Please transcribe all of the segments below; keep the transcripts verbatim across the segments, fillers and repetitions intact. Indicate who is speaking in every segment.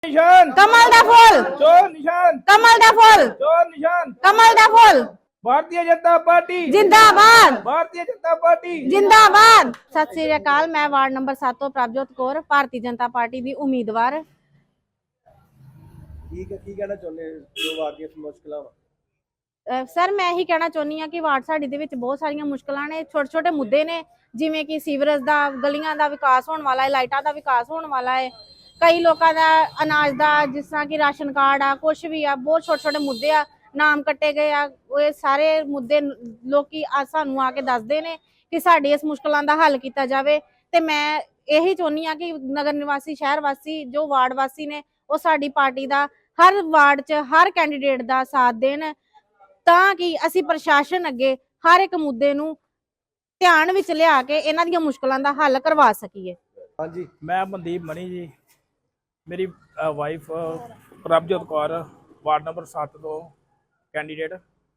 Speaker 1: निशान
Speaker 2: कमल दा फूल
Speaker 1: चोर निशान
Speaker 2: कमल दा फूल
Speaker 1: चोर निशान
Speaker 2: कमल दा फूल
Speaker 1: भारतीय जनता पार्टी
Speaker 2: जिंदाबाद
Speaker 1: भारतीय जनता पार्टी
Speaker 2: जिंदाबाद। सत श्री अकाल। मैं वार्ड नंबर सात ਤੋਂ ਪ੍ਰਭਜੋਤ ਕੌਰ ਭਾਰਤੀ ਜਨਤਾ ਪਾਰਟੀ ਦੀ ਉਮੀਦਵਾਰ।
Speaker 3: ਠੀਕ ਹੈ, ਕੀ ਕਹਿਣਾ ਚਾਹੁੰਦੇ ਜੋ ਵਾਰਡ ਦੀਆਂ ਮੁਸ਼ਕਲਾਂ ਵਾ?
Speaker 2: ਸਰ ਮੈਂ ਇਹੀ ਕਹਿਣਾ ਚਾਹੁੰਦੀ ਹਾਂ ਕਿ ਵਾਰਡ ਸਾਡੀ ਦੇ ਵਿੱਚ ਬਹੁਤ ਸਾਰੀਆਂ ਮੁਸ਼ਕਲਾਂ ਨੇ, ਛੋਟੇ ਛੋਟੇ ਮੁੱਦੇ ਨੇ, ਜਿਵੇਂ ਕਿ ਸੀਵਰੇਜ ਦਾ, ਗਲੀਆਂ ਦਾ ਵਿਕਾਸ ਹੋਣ ਵਾਲਾ ਹੈ, ਲਾਈਟਾਂ ਦਾ ਵਿਕਾਸ ਹੋਣ ਵਾਲਾ ਹੈ, ਕਈ ਲੋਕਾਂ ਦਾ ਅਨਾਜ ਦਾ, ਜਿਸ ਤਰ੍ਹਾਂ ਕਿ ਰਾਸ਼ਨ ਕਾਰਡ ਆ, ਕੁਛ ਵੀ ਆ, ਬਹੁਤ ਛੋਟੇ ਛੋਟੇ ਮੁੱਦੇ ਆ, ਨਾਮ ਕੱਟੇ ਗਏ ਆ। ਇਹ ਸਾਰੇ ਮੁੱਦੇ ਲੋਕੀ ਆ ਸਾਨੂੰ ਆ ਕੇ ਦੱਸਦੇ ਨੇ ਕਿ ਸਾਡੀ ਇਸ ਮੁਸ਼ਕਲਾਂ ਦਾ ਹੱਲ ਕੀਤਾ ਜਾਵੇ। ਤੇ ਮੈਂ ਇਹੀ ਚਾਹੁੰਦੀ ਹਾਂ ਕਿ ਨਗਰ ਨਿਵਾਸੀ, ਸ਼ਹਿਰ ਵਾਸੀ, ਜੋ ਵਾਰਡ ਵਾਸੀ ਨੇ, ਉਹ ਸਾਡੀ ਪਾਰਟੀ ਦਾ ਹਰ ਵਾਰਡ 'ਚ ਹਰ ਕੈਂਡੀਡੇਟ ਦਾ ਸਾਥ ਦੇਣ, ਤਾਂ ਕਿ ਅਸੀਂ ਪ੍ਰਸ਼ਾਸਨ ਅੱਗੇ ਹਰ ਇੱਕ ਮੁੱਦੇ ਨੂੰ ਧਿਆਨ ਵਿੱਚ ਲਿਆ ਕੇ ਇਹਨਾਂ ਦੀਆਂ ਮੁਸ਼ਕਲਾਂ ਦਾ ਹੱਲ ਕਰਵਾ ਸਕੀਏ।
Speaker 3: ਹਾਂਜੀ,
Speaker 1: मैं मनदीप मनी जी, मेरी wife Prabhjot Kaur, ward number सत्त तो कैंडीडेट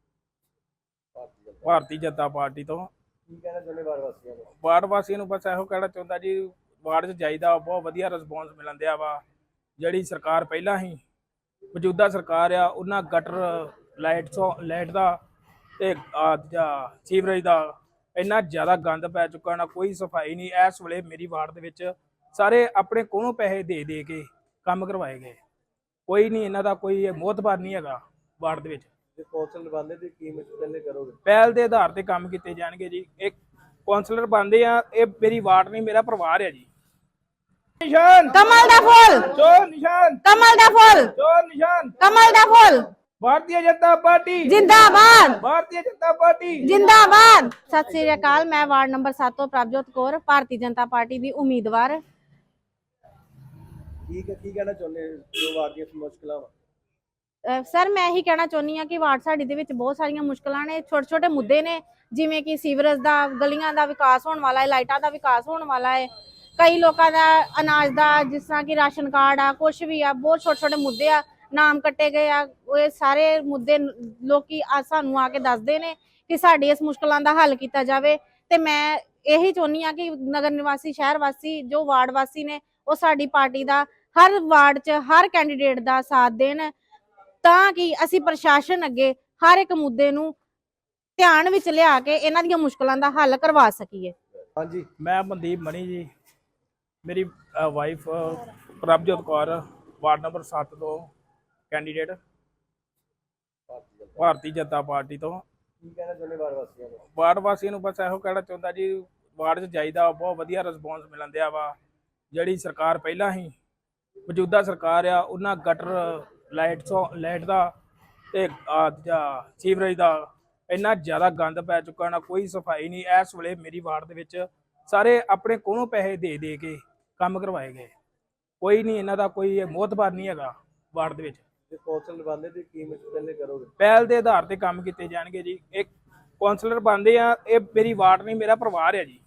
Speaker 1: भारतीय जनता पार्टी तो।
Speaker 3: ਕੀ ਕਹਿਣਾ ਚਾਹੁੰਦੇ ਵਾਰਡ ਵਾਸੀਆਂ ਨੂੰ?
Speaker 1: ਵਾਰਡ ਵਾਸੀਆਂ ਨੂੰ ਬਸ ਇਹੋ ਕਹਿਣਾ ਚਾਹੁੰਦਾ ਜੀ, ਵਾਰਡ 'ਚ ਜਾਈਦਾ ਬਹੁਤ ਵਧੀਆ ਰਿਸਪੌਂਸ ਮਿਲਣ ਦਿਆ ਵਾ। ਜਿਹੜੀ ਸਰਕਾਰ ਪਹਿਲਾਂ ਹੀ ਮੌਜੂਦਾ ਸਰਕਾਰ ਆ, ਉਹਨਾਂ ਗਟਰ ਲਾਈਟ ਤੋਂ ਲਾਈਟ ਦਾ ਤੇ ਸੀਵਰੇਜ ਦਾ ਇੰਨਾ ਜ਼ਿਆਦਾ ਗੰਦ ਪੈ ਚੁੱਕਾ ਨਾ, ਕੋਈ ਸਫਾਈ ਨਹੀਂ। ਇਸ ਵੇਲੇ ਮੇਰੀ ਵਾਰਡ ਦੇ ਵਿੱਚ ਸਾਰੇ ਆਪਣੇ ਕੋਲੋਂ ਪੈਸੇ ਦੇ ਦੇ ਕੇ ਕੰਮ ਕਰਵਾਏ ਗਏ, ਕੋਈ ਨਹੀਂ ਇਹਨਾਂ ਦਾ ਕੋਈ ਮੋਹਤਬਾਰ ਨਹੀਂ ਹੈਗਾ ਵਾਰਡ ਦੇ ਵਿੱਚ।
Speaker 3: ਜੇ ਕੌਂਸਲਰ ਬਣਦੇ ਤੇ ਕੀ ਪਹਿਲੇ ਕਰੋਗੇ?
Speaker 1: ਪਹਿਲ ਦੇ ਆਧਾਰ ਤੇ ਕੰਮ ਕੀਤੇ ਜਾਣਗੇ ਜੀ। ਇੱਕ ਕੌਂਸਲਰ ਬਣਦੇ ਆ, ਇਹ ਮੇਰੀ ਵਾਰਡ ਨਹੀਂ, ਮੇਰਾ ਪਰਿਵਾਰ ਹੈ ਜੀ। निशान
Speaker 2: कमल दा फूल
Speaker 1: चोर निशान
Speaker 2: कमल दा फूल
Speaker 1: चोर निशान
Speaker 2: कमल दा फूल
Speaker 1: भारतीय जनता पार्टी
Speaker 2: जिंदाबाद
Speaker 1: भारतीय जनता पार्टी
Speaker 2: जिंदाबाद। सत श्री अकाल। मैं वार्ड नंबर सात ਤੋਂ ਪ੍ਰਭਜੋਤ ਕੌਰ ਭਾਰਤੀ ਜਨਤਾ ਪਾਰਟੀ ਦੀ ਉਮੀਦਵਾਰ।
Speaker 3: ਠੀਕ ਹੈ, ਕੀ ਕਹਿਣਾ ਚਾਹੁੰਦੇ ਜੋ ਵਾਰਡ ਦੀਆਂ ਮੁਸ਼ਕਲਾਂ ਵਾ?
Speaker 2: ਸਰ ਮੈਂ ਇਹੀ ਕਹਿਣਾ ਚਾਹੁੰਦੀ ਹਾਂ ਕਿ ਵਾਰਡ ਸਾਡੀ ਦੇ ਵਿੱਚ ਬਹੁਤ ਸਾਰੀਆਂ ਮੁਸ਼ਕਲਾਂ ਨੇ, ਛੋਟੇ ਛੋਟੇ ਮੁੱਦੇ ਨੇ, ਜਿਵੇਂ ਕਿ ਸੀਵਰੇਜ ਦਾ, ਗਲੀਆਂ ਦਾ ਵਿਕਾਸ ਹੋਣ ਵਾਲਾ ਹੈ, ਲਾਈਟਾਂ ਦਾ ਵਿਕਾਸ ਹੋਣ ਵਾਲਾ ਹੈ, ਕਈ ਲੋਕਾਂ ਦਾ ਅਨਾਜ ਦਾ, ਜਿਸ ਤਰ੍ਹਾਂ ਕਿ ਰਾਸ਼ਨ ਕਾਰਡ ਆ, ਕੁਛ ਵੀ ਆ, ਬਹੁਤ ਛੋਟੇ ਛੋਟੇ ਮੁੱਦੇ ਆ, ਨਾਮ ਕੱਟੇ ਗਏ ਆ। ਇਹ ਸਾਰੇ ਮੁੱਦੇ ਲੋਕੀ ਆ ਸਾਨੂੰ ਆ ਕੇ ਦੱਸਦੇ ਨੇ ਕਿ ਸਾਡੀ ਇਸ ਮੁਸ਼ਕਲਾਂ ਦਾ ਹੱਲ ਕੀਤਾ ਜਾਵੇ। ਤੇ ਮੈਂ ਇਹੀ ਚਾਹੁੰਦੀ ਹਾਂ ਕਿ ਨਗਰ ਨਿਵਾਸੀ, ਸ਼ਹਿਰ ਵਾਸੀ, ਜੋ ਵਾਰਡ ਵਾਸੀ ਨੇ, ਉਹ ਸਾਡੀ ਪਾਰਟੀ ਦਾ ਹਰ ਵਾਰਡ 'ਚ ਹਰ ਕੈਂਡੀਡੇਟ ਦਾ ਸਾਥ ਦੇਣ, ਤਾਂ ਕਿ ਅਸੀਂ ਪ੍ਰਸ਼ਾਸਨ ਅੱਗੇ ਹਰ ਇੱਕ ਮੁੱਦੇ ਨੂੰ ਧਿਆਨ ਵਿੱਚ ਲਿਆ ਕੇ ਇਹਨਾਂ ਦੀਆਂ ਮੁਸ਼ਕਲਾਂ ਦਾ ਹੱਲ ਕਰਵਾ ਸਕੀਏ।
Speaker 3: ਹਾਂਜੀ,
Speaker 1: मैं मनदीप मनी जी, मेरी wife Prabhjot Kaur, ward number सत्त तो कैंडीडेट भारतीय जनता पार्टी तो।
Speaker 3: ਕੀ ਕਹਿਣਾ ਚਾਹੁੰਦੇ ਵਾਰਡ ਵਾਸੀਆਂ ਨੂੰ?
Speaker 1: ਵਾਰਡ ਵਾਸੀਆਂ ਨੂੰ ਬਸ ਇਹੋ ਕਹਿਣਾ ਚਾਹੁੰਦਾ ਜੀ, ਵਾਰਡ 'ਚ ਜਾਈਦਾ ਬਹੁਤ ਵਧੀਆ ਰਿਸਪੌਂਸ ਮਿਲਣ ਦਿਆ ਵਾ। ਜਿਹੜੀ ਸਰਕਾਰ ਪਹਿਲਾਂ ਹੀ ਮੌਜੂਦਾ ਸਰਕਾਰ ਆ, ਉਹਨਾਂ ਗਟਰ ਲਾਈਟ ਤੋਂ ਲਾਈਟ ਦਾ ਤੇ ਸੀਵਰੇਜ ਦਾ ਇੰਨਾ ਜ਼ਿਆਦਾ ਗੰਦ ਪੈ ਚੁੱਕਾ ਨਾ, ਕੋਈ ਸਫਾਈ ਨਹੀਂ। ਇਸ ਵੇਲੇ ਮੇਰੀ ਵਾਰਡ ਦੇ ਵਿੱਚ ਸਾਰੇ ਆਪਣੇ ਕੋਲੋਂ ਪੈਸੇ ਦੇ ਦੇ ਕੇ ਕੰਮ ਕਰਵਾਏ ਗਏ, ਕੋਈ ਨਹੀਂ ਇਹਨਾਂ ਦਾ ਕੋਈ ਮੋਹਤਬਾਰ ਨਹੀਂ ਹੈਗਾ ਵਾਰਡ ਦੇ ਵਿੱਚ।
Speaker 3: ਜੇ ਕੌਂਸਲਰ ਬਣਦੇ ਤੇ ਕੀ ਪਹਿਲੇ ਕਰੋਗੇ?
Speaker 1: ਪਹਿਲ ਦੇ ਆਧਾਰ ਤੇ ਕੰਮ ਕੀਤੇ ਜਾਣਗੇ ਜੀ। ਇੱਕ ਕੌਂਸਲਰ ਬਣਦੇ ਆ, ਇਹ ਮੇਰੀ ਵਾਰਡ ਨਹੀਂ, ਮੇਰਾ ਪਰਿਵਾਰ ਹੈ ਜੀ।